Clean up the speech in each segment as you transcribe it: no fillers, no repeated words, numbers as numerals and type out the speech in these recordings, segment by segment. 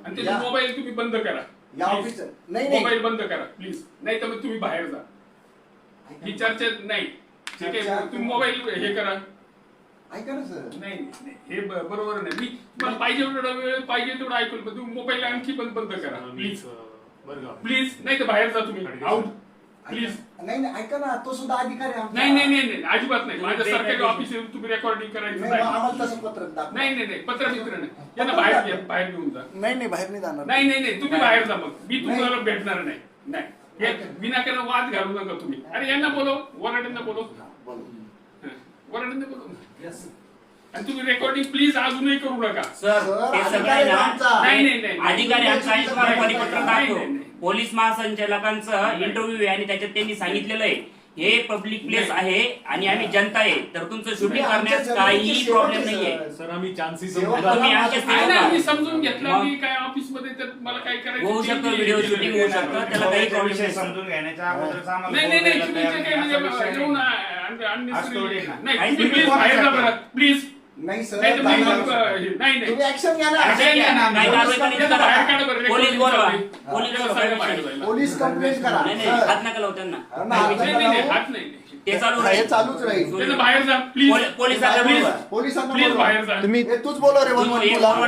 आणि ते मोबाईल तुम्ही बंद करा. नाही मोबाईल बंद करा प्लीज, नाही तर मग तुम्ही बाहेर जा. ही चर्चा नाही. ठीक आहे, तुम्ही मोबाईल हे करा. ऐका ना सर. नाही हे बरोबर नाही. मी मला पाहिजे तेवढा वेळ पाहिजे तेवढं ऐकून, पण तुम्ही मोबाईल आणखी बंद करा प्लीज. प्लीज, नाही तर बाहेर जा तुम्ही. Out please. नाही ऐका ना, तो सुद्धा अधिकारी आहे. नाही नाही नाही अजिबात नाही. माझ्या सरकारी ऑफिस तुम्ही रेकॉर्डिंग करायचं नाही. आम्हाला तसं पत्रक दाखवा. नाही पत्र मित्र नाही. यांना बाहेर घेऊन जा. नाही बाहेर नाही जाणार. नाही तुम्ही बाहेर जा. मग मी तुम्हाला भेटणार नाही. हे विनाकारण वाद घालू नका तुम्ही. अरे यांना बोलो, वराड्यांना बोलो, वराड्यांना बोलो. आणि तुम्ही रेकॉर्डिंग प्लीज अजूनही करू नका. सर ते सगळं नाही अधिकारी आमचा परिपत्रक दाखव. पोलीस महासंचालकांचं इंटरव्ह्यू आहे आणि त्याच्यात त्यांनी सांगितलेलं आहे हे पब्लिक प्लेस आहे आणि आम्ही जनता आहे, तर तुमचं शूटिंग करण्यास काही प्रॉब्लेम नाहीये. सर आम्ही चान्सेस मी समजून घेतलं की काय ऑफिस मध्ये तर मला काय करायचं होऊ शकतं, व्हिडिओ शूटिंग होऊ शकतं, त्याला काही प्रॉब्लेम नाही. समजून घेण्याच्या अगोदरच आम्हाला नाही तुम्ही काय म्हणजे येऊन नाही प्लीज बाहेर जा बरं प्लीज. नाही सर, नाही तुम्ही ऍक्शन घ्या ना. काही कारवाई करायची तर बाहेर काढा बरं. पोलीस बोलवा. पोलीस कंप्लेंट करा. नाही हात नका लावू त्यांना. हात नाही ते चालू हे चालूच राहील. बाहेर जा प्लीज. पोलिसांना बोलवा. पोलिसांना प्लीज बोलवा. बाहेर जा. तुम्ही तूच बोला रे. 112 ला.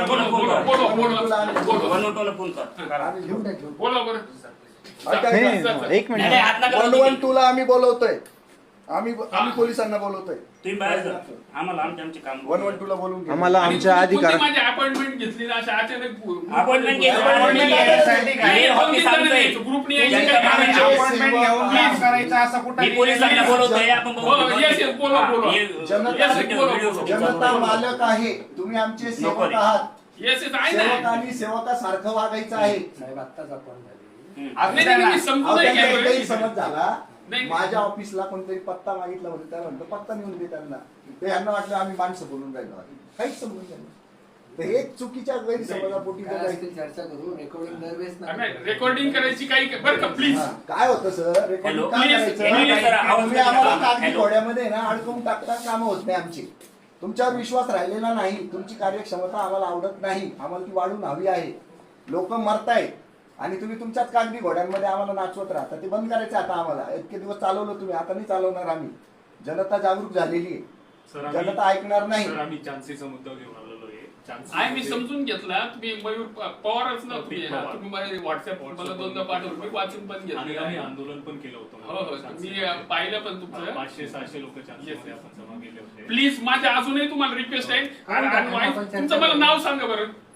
112 ला फोन कर. बोला बरं. एक नाही, हात नका लावू. 112 ला आम्ही बोलवतोय. आम्ही पोलिसांना बोलवतोय. तुम्ही बाहेर जा. आम्हाला आमचे काम 112 ला बोलून घ्या. आम्हाला आमच्या अधिकार माझी अपॉइंटमेंट घेतली ना अशा अचानक अपॉइंटमेंट घेतली. ग्रुपने अपॉइंटमेंट घेऊन काम करायचं असं कुठं मी पोलिसांना बोलवतोय. आपण जनता मालक आहे. तुम्ही आमचे सेवक आहात. सेवक आणि सेवकासारखं वागायचं आहे. समज झाला. माझ्या ऑफिसला कोणतरी पत्ता मागितला होता, त्या म्हणतो पत्ता नेऊन दे त्यांना. ते यांना वाटलं आम्ही माणसं बोलून राहिलो. काहीच समजून नाही. तर हे चुकीच्या गैरसमजापोटी चर्चा करू. रेकॉर्डिंग करायची काही बरं का प्लीज. काय होतं सर, रेकॉर्डिंग काय करायचं? तुम्ही आम्हाला कागदी घोड्यामध्ये ना अडकवून टाकता. कामं होत नाही आमची. तुमच्यावर विश्वास राहिलेला नाही. तुमची कार्यक्षमता आम्हाला आवडत नाही. आम्हाला ती वाढून हवी आहे. लोक मरतायत आणि तुम्ही तुमच्याच कागदी घोड्यांमध्ये आम्हाला नाचवत राहता. ते बंद करायचं आता आम्हाला. इतके दिवस चालवलं तुम्ही, आता नाही चालवणार आम्ही. जनता जागरूक झालेली आहे. जनता ऐकणार नाही. आम्ही चान्सेसचा मुद्दा घेऊन आलेलो आहे. मी समजून घेतला. तुम्ही मयूर पवारच ना तुम्ही मला व्हॉट्सअप मला दोनदा पाठवलं. मी वाचून पण घेतलं. आम्ही आंदोलन पण केलं होतं. हो मी पाहिलं पण तुमचं. 500-600 लोक चान्सेसमध्ये आपण जमा केले होते. प्लीज माझ्या अजूनही तुम्हाला रिक्वेस्ट आहे. तुमचं मला नाव सांगा बरं.